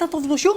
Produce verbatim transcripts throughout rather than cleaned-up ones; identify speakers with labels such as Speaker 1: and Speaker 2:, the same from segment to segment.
Speaker 1: tato wnosiu?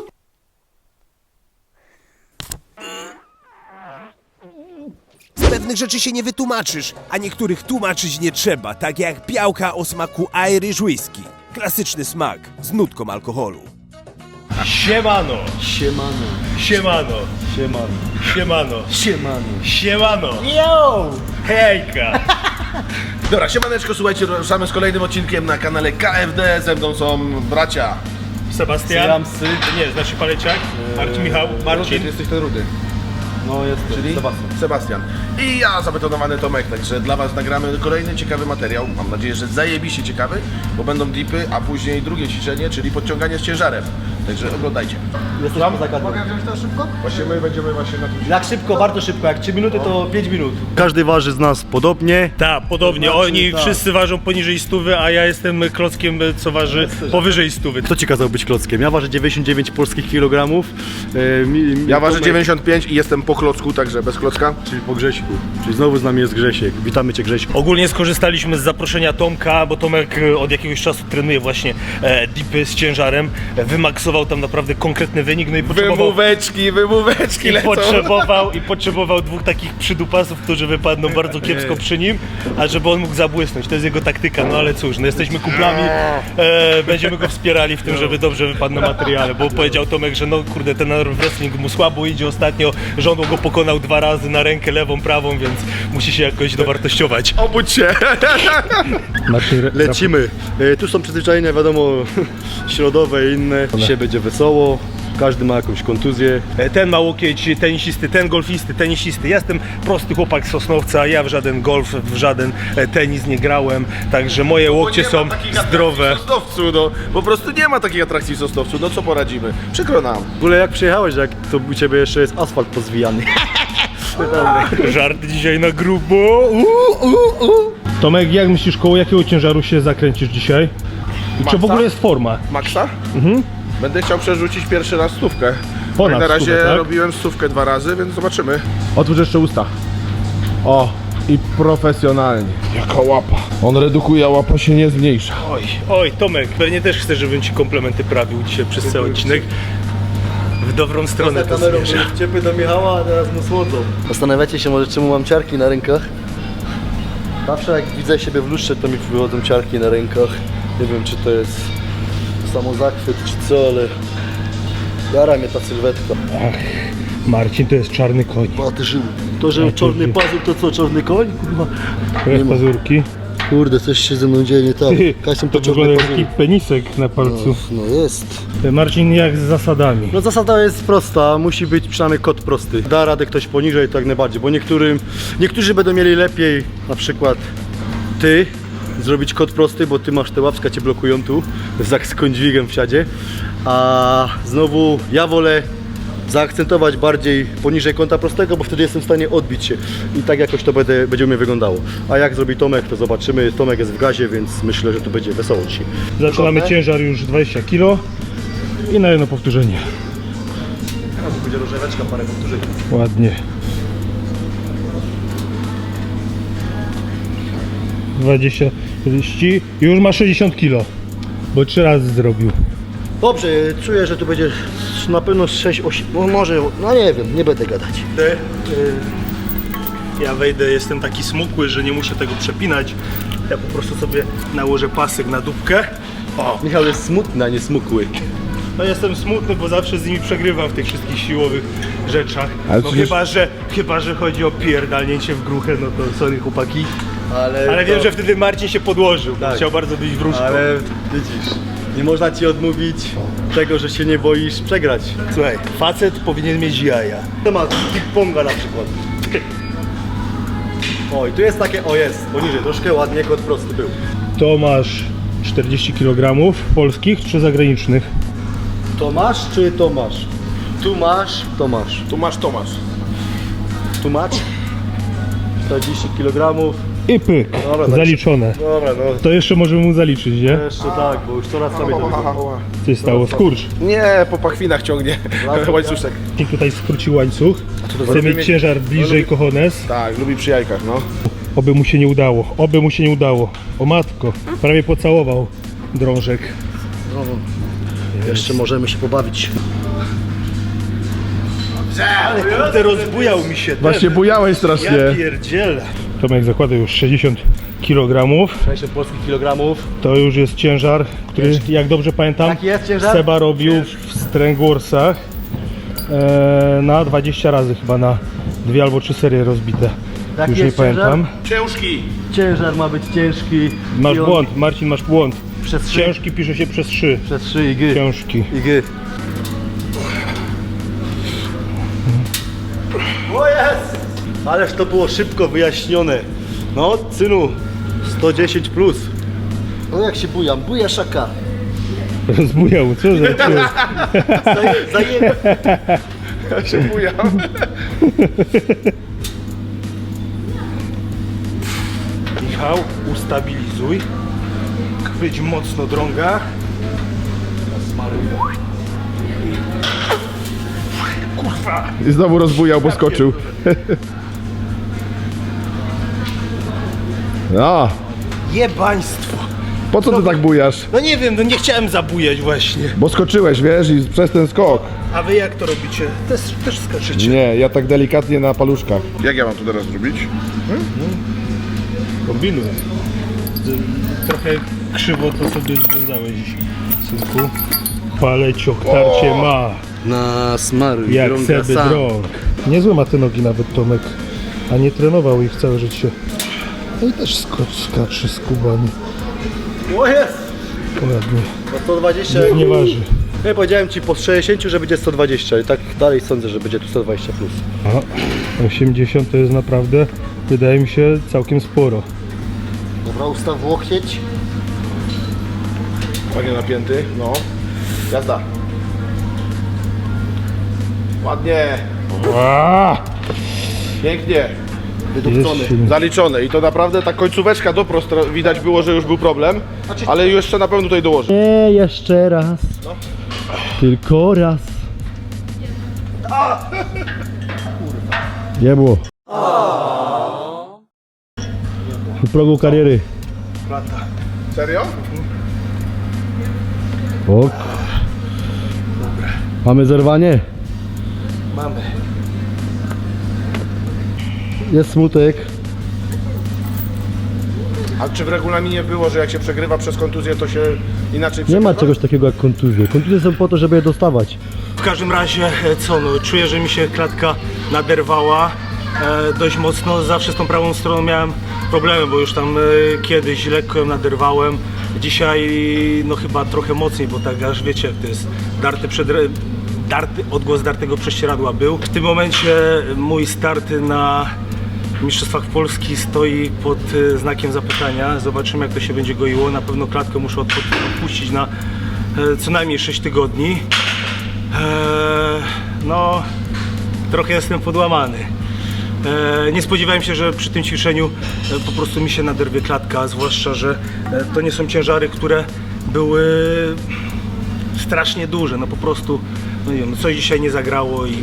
Speaker 2: Z pewnych rzeczy się nie wytłumaczysz, a niektórych tłumaczyć nie trzeba, tak jak białka o smaku Irish Whisky. Klasyczny smak z nutką alkoholu.
Speaker 3: Siemano!
Speaker 4: Siemano,
Speaker 3: Siemano!
Speaker 4: siemano,
Speaker 3: Siemano!
Speaker 4: siemano.
Speaker 3: Siemano!
Speaker 1: Yo!
Speaker 3: Hejka!
Speaker 5: Dobra, siemaneczko, słuchajcie, ruszamy z kolejnym odcinkiem na kanale K F D. Ze mną są bracia.
Speaker 3: Sebastian?
Speaker 4: Syjamsy.
Speaker 3: Nie, znaczy Paleciak? Marcin, Michał? Marcin?
Speaker 5: Ty jesteś ten rudy.
Speaker 4: No jest,
Speaker 5: Czyli
Speaker 4: Sebastian.
Speaker 5: Sebastian. I ja, zabetonowany Tomek, także dla was nagramy kolejny ciekawy materiał. Mam nadzieję, że zajebiście ciekawy, bo będą dipy, a później drugie ćwiczenie, czyli podciąganie z ciężarem. Także oglądajcie.
Speaker 4: Jesteś tam zagadką.
Speaker 5: wziąć to szybko? Właśnie my będziemy właśnie na tym.
Speaker 4: Jak szybko, bardzo szybko, jak trzy minuty to pięć minut. Każdy waży z nas podobnie.
Speaker 3: Tak, podobnie.
Speaker 4: To znaczy,
Speaker 3: Oni
Speaker 4: tak.
Speaker 3: wszyscy ważą poniżej stówy, a ja jestem klockiem, co waży powyżej stówy.
Speaker 4: Kto ci kazał być klockiem? Ja ważę dziewięćdziesiąt dziewięć polskich kilogramów. E, mi, mi,
Speaker 5: Ja ważę
Speaker 4: Tomek-
Speaker 5: dziewięćdziesiąt pięć i jestem po klocku, także bez klocka.
Speaker 4: Czyli po Grześku. Czyli znowu z nami jest Grzesiek. Witamy cię, Grześku.
Speaker 3: Ogólnie skorzystaliśmy z zaproszenia Tomka, bo Tomek e, od jakiegoś czasu trenuje właśnie e, dipy z ciężarem. E, Wymaksował tam naprawdę konkretny wynik, no i potrzebował...
Speaker 5: Wymóweczki, wymóweczki
Speaker 3: I
Speaker 5: lecą.
Speaker 3: potrzebował, I potrzebował dwóch takich przydupasów, którzy wypadną bardzo kiepsko przy nim, a żeby on mógł zabłysnąć. To jest jego taktyka, no ale cóż, no jesteśmy kumplami, e, będziemy go wspierali w tym, żeby dobrze wypadł na materiale, bo powiedział Tomek, że no kurde, ten wrestling mu słabo idzie ostatnio, że on go pokonał dwa razy na rękę lewą, prawą, więc musi się jakoś dowartościować.
Speaker 5: Obudź się.
Speaker 4: Lecimy. E, tu są przyzwyczajenia, wiadomo, środowe i inne. Dzisiaj będzie wesoło. Każdy ma jakąś kontuzję.
Speaker 3: E, Ten ma łokieć tenisisty, ten golfisty, tenisisty. Ja jestem prosty chłopak z Sosnowca, ja w żaden golf, w żaden e, tenis nie grałem, także moje łokcie
Speaker 5: Bo nie
Speaker 3: są
Speaker 5: ma takich
Speaker 3: zdrowe.
Speaker 5: atrakcji w Sosnowcu, no. Po prostu nie ma takich atrakcji w Sosnowcu, no co poradzimy. Przykro nam.
Speaker 4: W ogóle jak przyjechałeś, jak to u ciebie jeszcze jest asfalt pozwijany.
Speaker 3: Żart dzisiaj na grubo. Uh, uh, uh. Tomek, jak myślisz, koło jakiego ciężaru się zakręcisz dzisiaj? I czy w ogóle jest forma?
Speaker 5: Maxa? Mhm. Będę chciał przerzucić pierwszy raz stówkę.
Speaker 3: Ponad
Speaker 5: na razie
Speaker 3: stówę, tak?
Speaker 5: robiłem stówkę dwa razy, więc zobaczymy.
Speaker 6: Otwórz jeszcze usta. O, i profesjonalnie. Jaka łapa. On redukuje, a łapa się nie zmniejsza.
Speaker 3: Oj, oj, Tomek, pewnie też chcesz, żebym ci komplementy prawił dzisiaj przez cały odcinek. W dobrą stronę to zmierza.
Speaker 4: Ciepły do Michała, a teraz mu słodzą. Zastanawiacie się może, czemu mam ciarki na rękach? Zawsze jak widzę siebie w lustrze, to mi wychodzą ciarki na rękach. Nie wiem, czy to jest samozachwyt, czy co, ale jara mnie ta sylwetka.
Speaker 3: Marcin to jest czarny koń.
Speaker 4: Patrzył. To, że czarny pazur, to co, czarny koń? Kurwa.
Speaker 3: Które pazurki?
Speaker 4: Kurde, coś się ze mną dzieje nie tak. Kasem
Speaker 3: To
Speaker 4: to czarny
Speaker 3: wygląda jak
Speaker 4: pazur.
Speaker 3: taki penisek na palcu.
Speaker 4: No jest.
Speaker 3: Marcin, jak z zasadami?
Speaker 4: No zasada jest prosta, musi być przynajmniej kod prosty. Da radę ktoś poniżej, to jak najbardziej, bo niektórym, niektórzy będą mieli lepiej, na przykład ty, zrobić kod prosty, bo ty masz te łapska, cię blokują tu, z z kądźwigiem w siadzie, a znowu ja wolę zaakcentować bardziej poniżej kąta prostego, bo wtedy jestem w stanie odbić się i tak jakoś to będę, będzie u mnie wyglądało. A jak zrobi Tomek, to zobaczymy. Tomek jest w gazie, więc myślę, że tu będzie wesoło dzisiaj.
Speaker 3: Zaczynamy
Speaker 4: Gotowe?
Speaker 3: ciężar już dwadzieścia kilo i na jedno powtórzenie.
Speaker 4: Teraz będzie rozrzeweczka, parę powtórzeń.
Speaker 3: Ładnie. dwadzieścia, czterdzieści. Już ma sześćdziesiąt kilo, bo trzy razy zrobił.
Speaker 4: Dobrze, czuję, że tu będzie na pewno sześć, osiem, no może, no nie wiem, nie będę gadać.
Speaker 3: Ja wejdę, jestem taki smukły, że nie muszę tego przepinać. Ja po prostu sobie nałożę pasek na dupkę. O,
Speaker 4: Michał jest smutny, a nie smukły.
Speaker 3: no jestem smutny, bo zawsze z nimi przegrywam w tych wszystkich siłowych rzeczach.
Speaker 6: Ale
Speaker 3: No
Speaker 6: przecież-
Speaker 3: chyba, że, chyba, że chodzi o pierdalnięcie w gruchę, no to sorry chłopaki.
Speaker 4: Ale,
Speaker 3: Ale wiem,
Speaker 4: to-
Speaker 3: że wtedy Marcin się podłożył, bo
Speaker 4: Tak.
Speaker 3: chciał bardzo być wróżką.
Speaker 4: Ale widzisz, nie można ci odmówić tego, że się nie boisz przegrać.
Speaker 3: Słuchaj, facet powinien mieć jaja.
Speaker 4: Temat ping-ponga na przykład. Oj, tu jest takie, o jest, poniżej, troszkę ładnie, kod prosty był.
Speaker 3: To masz czterdzieści kilogramów polskich czy zagranicznych?
Speaker 4: Tomasz czy Tomasz? Tu masz, Tomasz.
Speaker 5: Tu masz Tomasz.
Speaker 4: Tu masz? czterdzieści kilogramów.
Speaker 3: I pyk,
Speaker 4: Dobra,
Speaker 3: zaliczone.
Speaker 4: Dobra, no.
Speaker 3: To jeszcze możemy mu zaliczyć, nie?
Speaker 4: Jeszcze tak, bo już coraz sobie to wygląda.
Speaker 3: Co się stało? Skurcz.
Speaker 5: Nie, po pachwinach ciągnie łańcuszek.
Speaker 3: I tutaj skrócił łańcuch. Chce mieć ciężar bliżej kochones.
Speaker 5: Tak, lubi przy jajkach, no.
Speaker 3: Oby mu się nie udało, oby mu się nie udało. O matko, prawie pocałował drążek.
Speaker 4: Jeszcze możemy się pobawić.
Speaker 3: Kurde, rozbujał mi się ten.
Speaker 6: Właśnie bujałeś strasznie.
Speaker 3: Ja pierdzielę. Tomek zakłada już sześćdziesiąt kilogramów.
Speaker 4: sześćdziesiąt polskich kilogramów.
Speaker 3: To już jest ciężar, który, jak dobrze pamiętam,
Speaker 4: Jaki jest ciężar?
Speaker 3: Seba robił w Strangwarsach e, na dwadzieścia razy chyba, na dwie albo trzy serie rozbite.
Speaker 4: Jaki
Speaker 3: Już nie
Speaker 4: jest ciężar?
Speaker 3: pamiętam.
Speaker 5: Ciężki!
Speaker 4: Ciężar ma być ciężki.
Speaker 3: Masz
Speaker 4: i on
Speaker 3: błąd, Marcin, masz błąd.
Speaker 4: Przez trzy.
Speaker 3: Ciężki pisze się przez trzy.
Speaker 4: Przez trzy i gy.
Speaker 3: Ciężki.
Speaker 4: I gy. O jest! Ależ to było szybko wyjaśnione. No, synu, sto dziesięć plus. No jak się bujam? Buja szaka.
Speaker 3: Rozbujał, co za cię?
Speaker 4: Zaje- Zajebie.
Speaker 5: Ja się bujam.
Speaker 3: Michał, ustabilizuj. Chwyć mocno drąga. Kurwa!
Speaker 6: I znowu rozbujał, bo skoczył. No,
Speaker 3: Jebaństwo!
Speaker 6: po co ty tak bujasz?
Speaker 3: No nie wiem, no nie chciałem zabujać właśnie.
Speaker 6: Bo skoczyłeś, wiesz, i przez ten skok.
Speaker 3: A wy jak to robicie? Też, też skaczycie.
Speaker 6: Nie, ja tak delikatnie na paluszkach.
Speaker 5: Jak ja mam to teraz zrobić?
Speaker 3: Kombinuj. Trochę krzywo to sobie związałeś, synku. Paleciok tarcie ma,
Speaker 4: Na smaruj,
Speaker 3: jak
Speaker 4: drąga
Speaker 3: seby
Speaker 4: sam.
Speaker 3: drąg. Niezłe ma te nogi nawet Tomek, a nie trenował ich całe życie. No i też skocz, skacze z kubami.
Speaker 4: O jest!
Speaker 3: Ładnie.
Speaker 4: Po sto dwadzieścia.
Speaker 3: Nie, nie waży.
Speaker 4: Ja powiedziałem ci po sześćdziesięciu, że będzie sto dwadzieścia i tak dalej sądzę, że będzie tu sto dwadzieścia plus.
Speaker 3: Aha, osiemdziesiąt to jest naprawdę, wydaje mi się, całkiem sporo.
Speaker 4: Dobra, ustaw łokieć.
Speaker 5: Fajnie napięty, no. Jazda. Ładnie,
Speaker 3: Aaaa!
Speaker 5: pięknie.
Speaker 4: Wydupcony.
Speaker 3: Jest silny.
Speaker 5: Zaliczone i to naprawdę ta końcóweczka doprost widać było, że już był problem, ale jeszcze na pewno tutaj dołożę.
Speaker 4: Nie, jeszcze raz. Tylko raz.
Speaker 6: Nie było.
Speaker 4: W progu kariery.
Speaker 5: Serio?
Speaker 4: Ok. Mamy zerwanie?
Speaker 3: Mamy.
Speaker 4: Jest smutek.
Speaker 5: A czy w regulaminie było, że jak się przegrywa przez kontuzję, to się inaczej
Speaker 4: Nie ma
Speaker 5: przegrywa?
Speaker 4: czegoś takiego jak kontuzje. Kontuzje są po to, żeby je dostawać.
Speaker 3: W każdym razie, e, co no, czuję, że mi się klatka naderwała e, dość mocno. Zawsze z tą prawą stroną miałem problemy, bo już tam e, kiedyś lekko ją naderwałem. Dzisiaj no chyba trochę mocniej, bo tak aż wiecie jak to jest, darty przed... Darty, odgłos dartego prześcieradła był. W tym momencie mój start na Mistrzostwach Polski stoi pod e, znakiem zapytania. Zobaczymy jak to się będzie goiło. Na pewno klatkę muszę odpu- odpuścić na e, co najmniej sześć tygodni. Eee, no, trochę jestem podłamany. Eee, nie spodziewałem się, że przy tym ćwiczeniu e, po prostu mi się naderwie klatka, zwłaszcza, że e, to nie są ciężary, które były strasznie duże. No po prostu, no nie wiem, coś dzisiaj nie zagrało i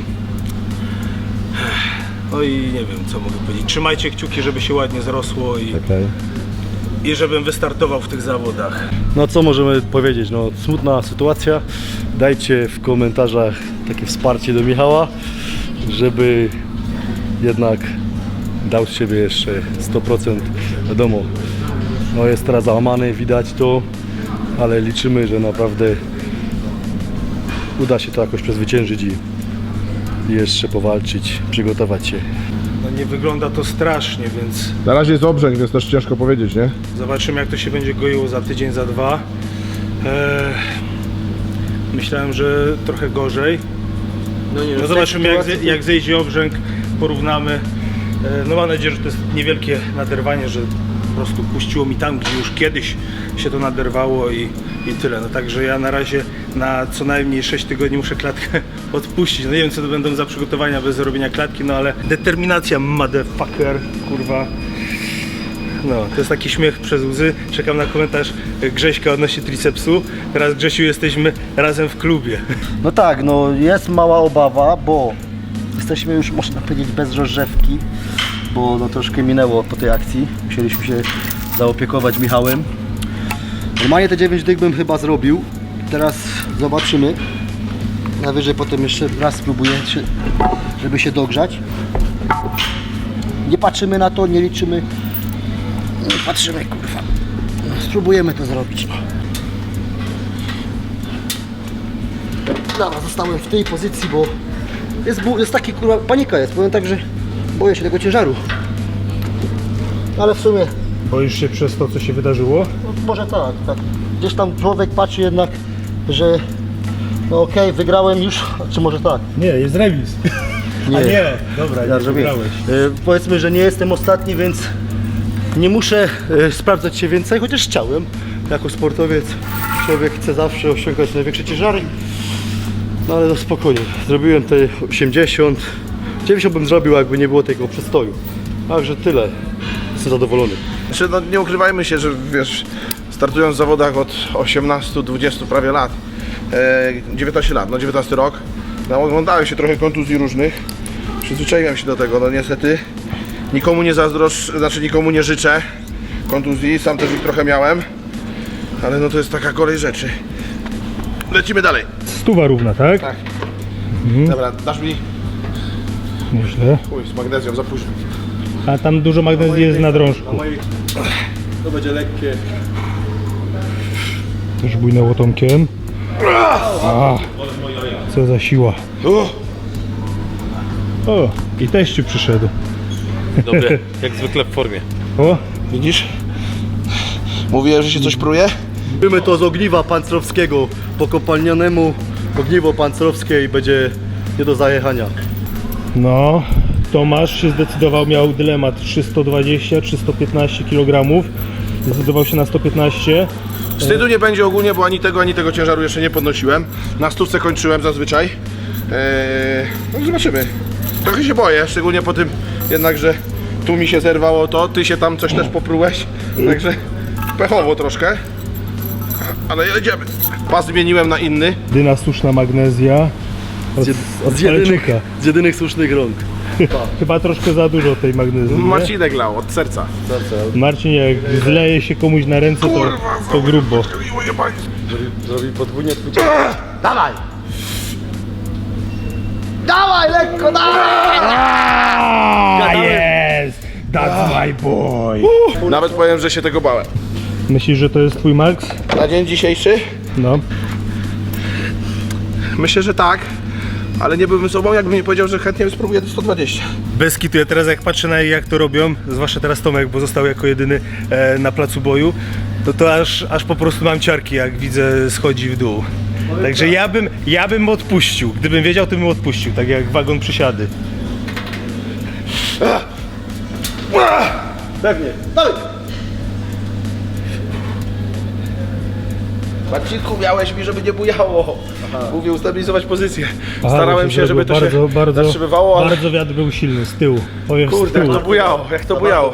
Speaker 3: no i nie wiem co mogę powiedzieć. Trzymajcie kciuki, żeby się ładnie zrosło i,
Speaker 4: Okay.
Speaker 3: i żebym wystartował w tych zawodach.
Speaker 4: No co możemy powiedzieć? No smutna sytuacja. Dajcie w komentarzach takie wsparcie do Michała, żeby jednak dał z siebie jeszcze sto procent. Wiadomo, no jest teraz załamany, widać to, ale liczymy, że naprawdę uda się to jakoś przezwyciężyć i i jeszcze powalczyć, przygotować się.
Speaker 3: No nie wygląda to strasznie, więc
Speaker 6: Na razie jest obrzęk, więc też ciężko powiedzieć, nie?
Speaker 3: zobaczymy jak to się będzie goiło za tydzień, za dwa. Eee, myślałem, że trochę gorzej.
Speaker 4: No, nie,
Speaker 3: No zobaczymy jak, ze, jak zejdzie obrzęk, porównamy. Eee, no mam nadzieję, że to jest niewielkie naderwanie, że po prostu puściło mi tam, gdzie już kiedyś się to naderwało i, i tyle. No także ja na razie na co najmniej sześć tygodni muszę klatkę odpuścić. No nie wiem co to będą za przygotowania bez robienia klatki, no ale determinacja motherfucker, kurwa. No, to jest taki śmiech przez łzy. Czekam na komentarz Grześka odnośnie tricepsu. Teraz Grzesiu jesteśmy razem w klubie.
Speaker 4: No tak, no jest mała obawa, bo jesteśmy już, można powiedzieć, bez rozrzewki, bo no troszkę minęło po tej akcji. Musieliśmy się zaopiekować Michałem. Normalnie te dziewięć dych bym chyba zrobił, Teraz zobaczymy. Najwyżej potem jeszcze raz spróbuję, czy- żeby się dogrzać. Nie patrzymy na to, nie liczymy. Nie patrzymy, kurwa. Spróbujemy to zrobić. Dobra, zostałem w tej pozycji, bo jest, bu- jest taki, kurwa, panika jest. Powiem tak, że boję się tego ciężaru. Ale w sumie,
Speaker 3: Boisz się przez to, co się wydarzyło?
Speaker 4: no, może tak, tak. Gdzieś tam człowiek patrzy jednak, że no okej, wygrałem już, czy może tak.
Speaker 3: Nie, jest remis.
Speaker 4: Nie.
Speaker 3: A nie, dobra,
Speaker 4: Ja
Speaker 3: nie
Speaker 4: zrobiłem.
Speaker 3: wygrałeś.
Speaker 4: E, powiedzmy, że nie jestem ostatni, więc nie muszę e, sprawdzać się więcej, chociaż chciałem. Jako sportowiec człowiek chce zawsze osiągać największe ciężary. No ale no spokojnie, zrobiłem te osiemdziesiąt. dziewięćdziesiąt bym zrobił, jakby nie było tego przestoju. Także tyle. Jestem zadowolony.
Speaker 5: Znaczy, no, nie ukrywajmy się, że wiesz, startując w zawodach od osiemnastu dwudziestu prawie lat, e, dziewiętnaście lat, no dziewiętnasty rok, no, oglądałem się trochę kontuzji różnych, przyzwyczaiłem się do tego, no niestety nikomu nie zazdroszczę, znaczy nikomu nie życzę kontuzji, sam też ich trochę miałem, ale no to jest taka kolej rzeczy. Lecimy dalej.
Speaker 3: Stuwa równa, tak?
Speaker 5: Tak. Dobra, dasz mi
Speaker 3: Nieźle.
Speaker 5: chuj z magnezją, za późno.
Speaker 3: A tam dużo magnezji jest na drążku.
Speaker 4: To będzie lekkie.
Speaker 3: Też bujnęło Tomkiem. A, co za siła.
Speaker 5: Uff.
Speaker 3: O, i teściu przyszedł.
Speaker 1: Dobry, jak zwykle w formie.
Speaker 3: O,
Speaker 5: Widzisz? Mówiłem, że się coś pruje?
Speaker 4: Robimy to z ogniwa pancerowskiego. Po kopalnianemu ogniwo pancerowskie i będzie nie do zajechania.
Speaker 3: no, Tomasz się zdecydował, miał dylemat trzysta dwadzieścia czy sto piętnaście kilogramów. Zdecydował się na sto piętnaście.
Speaker 5: Wstydu nie będzie ogólnie, bo ani tego, ani tego ciężaru jeszcze nie podnosiłem. Na stówce kończyłem zazwyczaj. Eee, no zobaczymy. Trochę się boję, szczególnie po tym jednak, że tu mi się zerwało to, ty się tam coś też poprułeś. Także pechowo troszkę. Ale jedziemy. Pas zmieniłem na inny.
Speaker 3: Dyna suszna magnezja. Od,
Speaker 4: Z, jed,
Speaker 3: od
Speaker 4: z, jedynych,
Speaker 3: palczyka.
Speaker 4: z jedynych słusznych rąk.
Speaker 3: Chyba troszkę za dużo tej magnezji. nie?
Speaker 5: Marcinek lał od serca.
Speaker 3: Marcin, jak zleje się komuś na ręce, to, to grubo.
Speaker 4: Zrobi, zrobi podwójnie twój Dawaj! Dawaj, lekko, dawaj!
Speaker 3: A jest! That's my boy!
Speaker 5: Nawet powiem, że się tego bałem.
Speaker 3: Myślisz, że to jest twój Max?
Speaker 5: Na dzień dzisiejszy?
Speaker 3: No.
Speaker 5: Myślę, że tak. Ale nie byłbym sobą, jakbym nie powiedział, że chętnie spróbuję do sto dwadzieścia.
Speaker 3: Bez kitu, ja teraz jak patrzę na jak to robią, zwłaszcza teraz Tomek, bo został jako jedyny e, na placu boju, no to aż, aż po prostu mam ciarki, jak widzę schodzi w dół. Także ja bym, ja bym odpuścił. Gdybym wiedział, to bym odpuścił, tak jak wagon przysiady.
Speaker 4: Pewnie. Dawaj!
Speaker 5: Marcinku, miałeś mi, żeby nie bujało. Mówię, ustabilizować pozycję.
Speaker 3: Aha,
Speaker 5: Starałem
Speaker 3: bo
Speaker 5: się, żeby to
Speaker 3: bardzo,
Speaker 5: się
Speaker 3: bardzo,
Speaker 5: zatrzymywało, ale
Speaker 3: bardzo wiatr był silny z tyłu. Powiem z
Speaker 5: kurde, jak
Speaker 3: tyłu.
Speaker 5: to bujało, jak to bujało.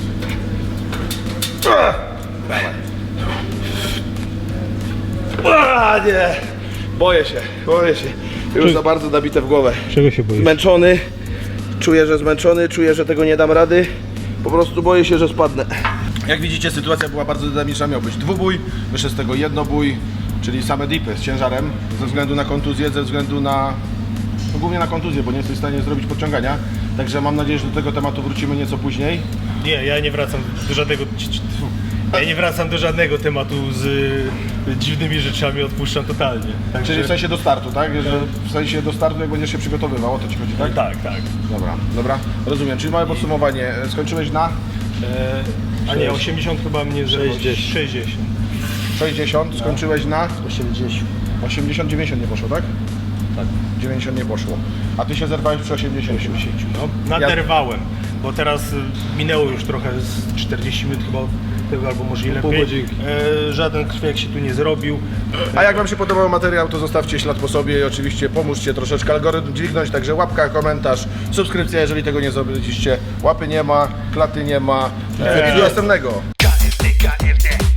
Speaker 5: A, nie, boję się, boję się. Już
Speaker 3: Czy-
Speaker 5: za bardzo nabite w głowę.
Speaker 3: Czego się boisz?
Speaker 5: Zmęczony, czuję, że zmęczony, czuję, że tego nie dam rady. Po prostu boję się, że spadnę. Jak widzicie, sytuacja była bardzo dynamiczna. Miał być dwubój, wyszedł z tego jednobój, czyli same dipy z ciężarem, ze względu na kontuzję, ze względu na... No głównie na kontuzję, bo nie jesteś w stanie zrobić podciągania. Także mam nadzieję, że do tego tematu wrócimy nieco później.
Speaker 3: Nie, ja nie wracam do żadnego. Ja nie wracam do żadnego tematu z y, dziwnymi rzeczami, odpuszczam totalnie. Także,
Speaker 5: Czyli w sensie do startu, tak? Że w sensie do startu, jak będziesz się przygotowywał, o to ci chodzi, tak?
Speaker 3: tak, tak.
Speaker 5: Dobra, dobra, rozumiem. Czyli małe podsumowanie. Skończyłeś na
Speaker 3: E, a nie, osiemdziesiąt chyba mnie sześćdziesiąt. sześćdziesiąt.
Speaker 5: sześćdziesiąt, skończyłeś na
Speaker 4: osiemdziesiąt.
Speaker 5: osiemdziesiąt, dziewięćdziesiąt nie poszło, tak? Tak. dziewięćdziesiąt nie poszło. A ty się zerwałeś przy osiemdziesięciu.
Speaker 3: No, naderwałem, bo teraz y, minęło już trochę z czterdzieści minut chyba od tego, albo może i
Speaker 4: pół
Speaker 3: lepiej.
Speaker 4: godzinki.
Speaker 3: E, żaden krwiak się tu nie zrobił.
Speaker 5: A jak wam się podobał materiał, to zostawcie ślad po sobie i oczywiście pomóżcie troszeczkę algorytm dźwignąć, także łapka, komentarz, subskrypcja, jeżeli tego nie zrobiliście. Łapy nie ma, klaty nie ma. I do następnego.
Speaker 7: K F D, K F D.